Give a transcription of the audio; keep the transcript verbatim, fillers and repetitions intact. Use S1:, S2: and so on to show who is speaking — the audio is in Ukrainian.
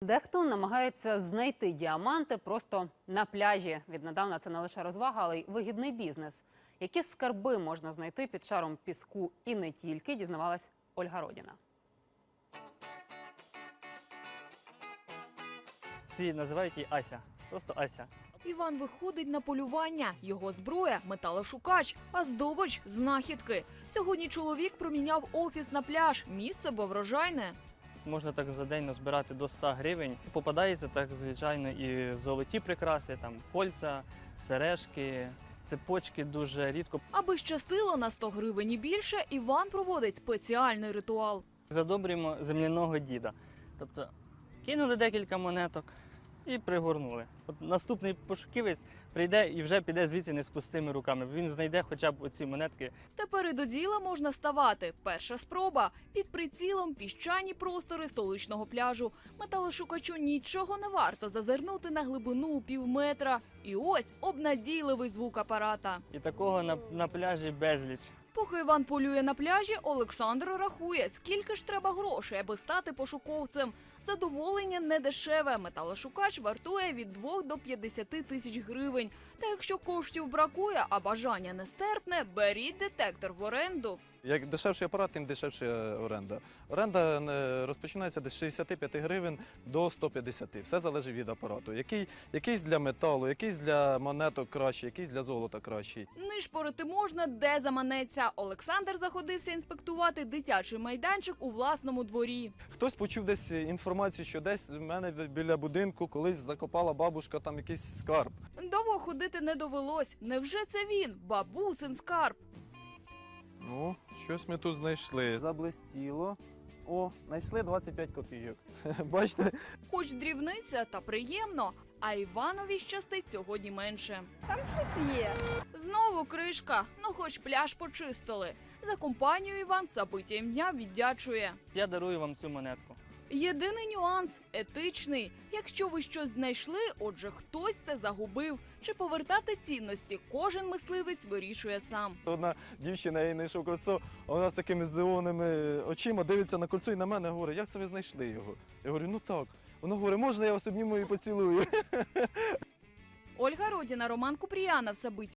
S1: Дехто намагається знайти діаманти просто на пляжі. Віднедавна це не лише розвага, але й вигідний бізнес. Які скарби можна знайти під шаром піску і не тільки, дізнавалась Ольга Родіна.
S2: Всі називають її Ася. Просто Ася.
S3: Іван виходить на полювання. Його зброя – металошукач, а здобич – знахідки. Сьогодні чоловік проміняв офіс на пляж. Місце бо врожайне.
S2: Можна так за день назбирати до ста гривень. Попадається так, звичайно, і золоті прикраси, там кольця, сережки, цепочки дуже рідко.
S3: Аби щастило на сто гривень і більше, Іван проводить спеціальний ритуал.
S2: Задобрюємо земляного діда. Тобто кинули декілька монеток і пригорнули. От наступний пошуківець прийде і вже піде звідси не з пустими руками. Він знайде хоча б оці монетки.
S3: Тепер і до діла можна ставати. Перша спроба. Під прицілом піщані простори столичного пляжу. Металошукачу нічого не варто зазирнути на глибину у пів метра. І ось обнадійливий звук апарата.
S2: І такого на, на пляжі безліч.
S3: Поки Іван полює на пляжі, Олександр рахує, скільки ж треба грошей, аби стати пошуковцем. Задоволення не дешеве. Металошукач вартує від двох до п'ятдесяти тисяч гривень. Та якщо коштів бракує, а бажання нестерпне, беріть детектор в оренду.
S4: Як дешевший апарат, тим дешевша оренда. Оренда е, розпочинається десь з шістдесяти п'яти гривень до ста п'ятдесяти. Все залежить від апарату. Який, якийсь для металу, якийсь для монеток кращий, якийсь для золота кращий.
S3: Нишпорити можна, де заманеться. Олександр заходився інспектувати дитячий майданчик у власному дворі.
S4: Хтось почув десь інформацію, що десь в мене біля будинку колись закопала бабушка там якийсь скарб.
S3: Довго ходити не довелось. Невже це він? Бабусин скарб.
S4: Ну, щось ми тут знайшли.
S5: Заблистіло. О, знайшли двадцять п'ять копійок.
S4: Бачите?
S3: Хоч дрібниця, та приємно. А Іванові щастить сьогодні менше.
S6: Там щось є.
S3: Знову кришка. Ну хоч пляж почистили. За компанію Іван забиттям дня віддячує.
S2: Я дарую вам цю монетку.
S3: Єдиний нюанс – етичний. Якщо ви щось знайшли, отже хтось це загубив. Чи повертати цінності, кожен мисливець вирішує сам.
S4: Одна дівчина, я їй знайшов кольцо, а вона з такими здивованими очима дивиться на кольцо і на мене говорить, як це ви знайшли його? Я говорю, ну так. Вона говорить, можна я вас обніму і поцілую?
S3: Ольга Родіна, Роман Купріянов, Сабиття.